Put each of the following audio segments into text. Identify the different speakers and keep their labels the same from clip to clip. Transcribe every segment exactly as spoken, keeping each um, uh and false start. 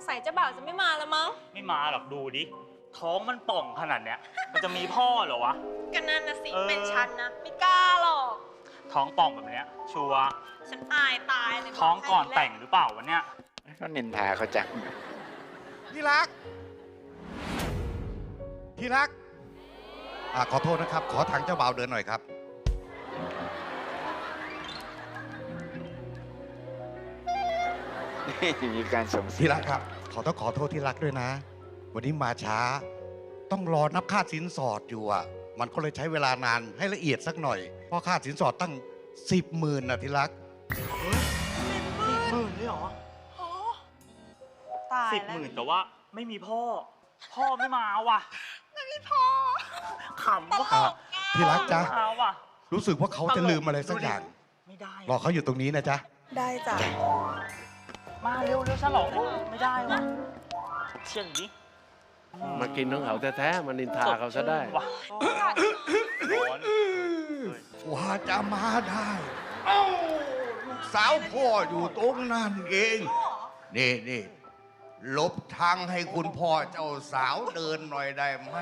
Speaker 1: สัยเจ้าบ่าวจะไม่มาแล้วมั้ง
Speaker 2: ไม่มาหรอกดูดิท้องมันป่องขนาดเนี้ยมันจะมีพ่อเหรอวะ
Speaker 1: ก็นั่นนะสิเป็นฉันนะไม่กล้าหรอก
Speaker 2: ท้องป่องแบบเนี้ยชัวร์
Speaker 1: ฉันอายตายเลย
Speaker 2: ท้องก่อนแต่งหรือเปล่าวะเนี่ย
Speaker 3: ก็นินทาเขาจัง
Speaker 4: ที่รักที่รักอ่าขอโทษนะครับขอทางเจ้าบ่าวเดินหน่อยครับ
Speaker 3: มีการส่ง
Speaker 4: ที่รักครับขอต้องขอโทษที่รักด้วยนะวันนี้มาช้าต้องรอนับค่าสินสอดอยู่อ่ะมันก็เลยใช้เวลานานให้ละเอียดสักหน่อยเพราะค่าสินสอดตั้งสิบหมื่นนะที่รัก
Speaker 2: สิบหมื่นเลยเหรอ
Speaker 1: ตาย
Speaker 2: สิบหมื่นแต่ว่าไม่มีพ่อพ่อไม่มาว่ะ
Speaker 1: ไม่มีพ่อ
Speaker 2: ขำว่ะ
Speaker 4: ที่รักจ๊ะ
Speaker 2: ว่ะ
Speaker 4: รู้สึกว่าเขาจะลืมอะไรสักอย่าง
Speaker 2: ไม่ได้
Speaker 4: รอเขาอยู่ตรงนี้นะจ๊ะ
Speaker 1: ได้จ้ะ
Speaker 2: มาเร็วเร็วฉลองไม่ได้ว่ะเชี่ยงดิ
Speaker 5: มากินของเขาแท้ๆมันนินทาเขาซะได้
Speaker 4: ว่าจะมาได้เอ้าลูกสาวพ่ออยู่ตรงนั้นเองนี่นี่ลบทางให้คุณพ่อเจ้าสาวเดินหน่อยได้ไหม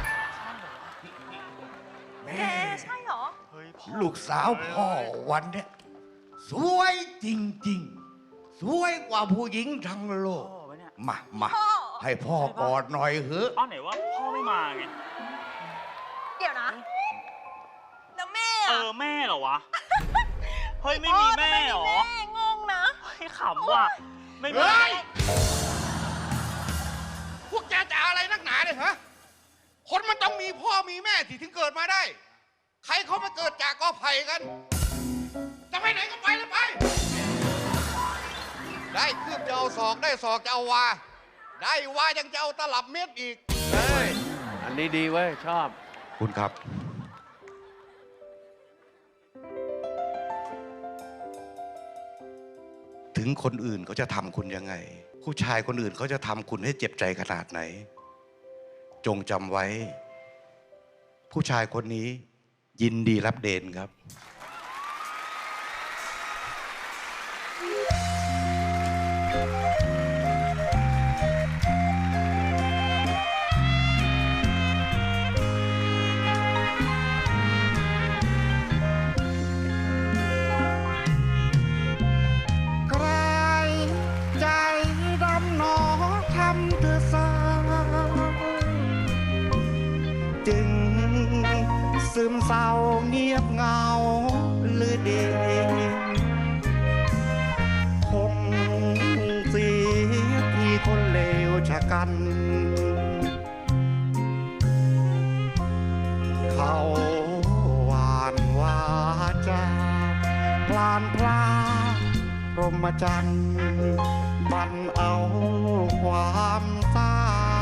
Speaker 1: แม่ใช่เหรอ
Speaker 4: ลูกสาวพ่อวันเนี้ยสวยจริงๆสวยกว่าผู้หญิงทั้งโลกมามาให้พ่อกอดหน่อยเถอะ
Speaker 2: อ้าวไหนว่าพ่อไม่มาไง
Speaker 1: เดี๋ยวนะแล้วแม่
Speaker 2: เออแม่เหรอวะเฮ้ยไม่มีแม่เหรอ
Speaker 1: แม่งงนะ
Speaker 2: เฮ้ยขำว่ะไม่มี
Speaker 4: พวกแกจะอะไรนักหนาเนี่ยฮะคนมันต้องมีพ่อมีแม่ที่ถึงเกิดมาได้ใครเขามาเกิดจากกอไผ่กันจะไปไหนก็ไปเลยไปได้คืบจะเอาศอกได้ศอกจะเอาวาได้วายังจะเอาตลับเม็ดอีก
Speaker 5: เฮ้ยอันนี้ดีเว้ยชอบ
Speaker 4: คุณครับถึงคนอื่นเขาจะทำคุณยังไงผู้ชายคนอื่นเขาจะทำคุณให้เจ็บใจขนาดไหนจงจำไว้ผู้ชายคนนี้ยินดีรับเดนครับซึมเศร้าเงียบเงาหรือเดคงเสียที่คนเลวชะกันเขาหวานวาจาพลานพลาพรหมจรรย์บันเอาความเศร้า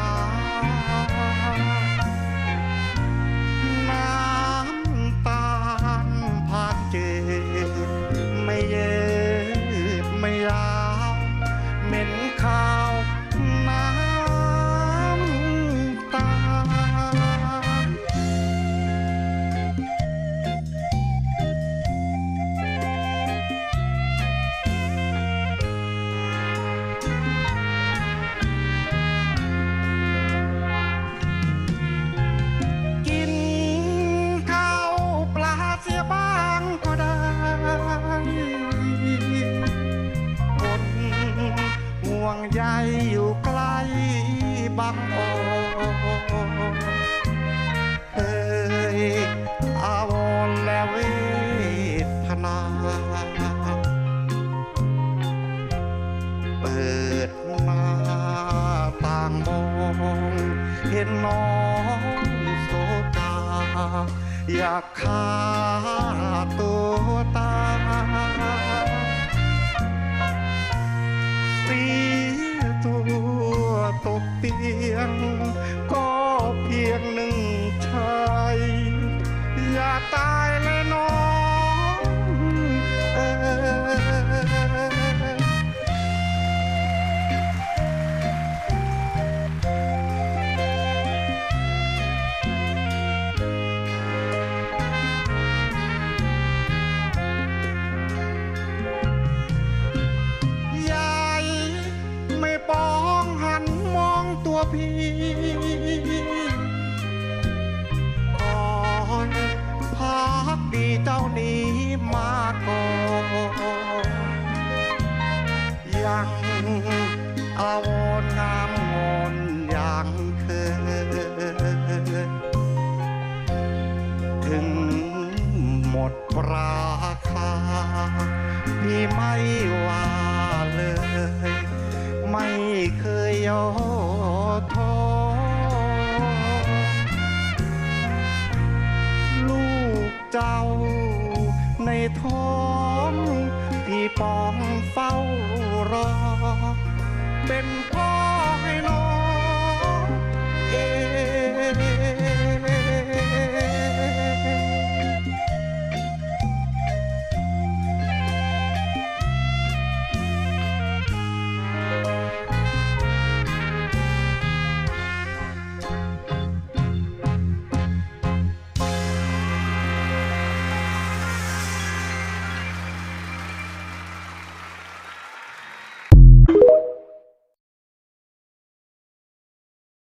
Speaker 4: ไม่เย็ดไม่ยาวเหม็นข้าวน้ำตากินข้าวปลาเสียบ้างก็ได้คนห่วงใยอยู่ใกล้บางโอเอ่ยอาวรณ์และเวทนาเปิดหน้าต่างมองเห็นน้องโศกาอยากฆ่าตัวตายเสียตัวตกเตียงก็เพียงหนึ่งชายอย่าตายเลยน้องเออพี่ก่อนพักดีเจ้านี้มาก่อนยังอาวรณ์งามงอนอย่างเคยถึงหมดราคาพี่ไม่ว่าเลยไม่เคยย่อท้อลูกเจ้าในท้องพี่ปองเฝ้ารอเป็นพ่อให้น้อ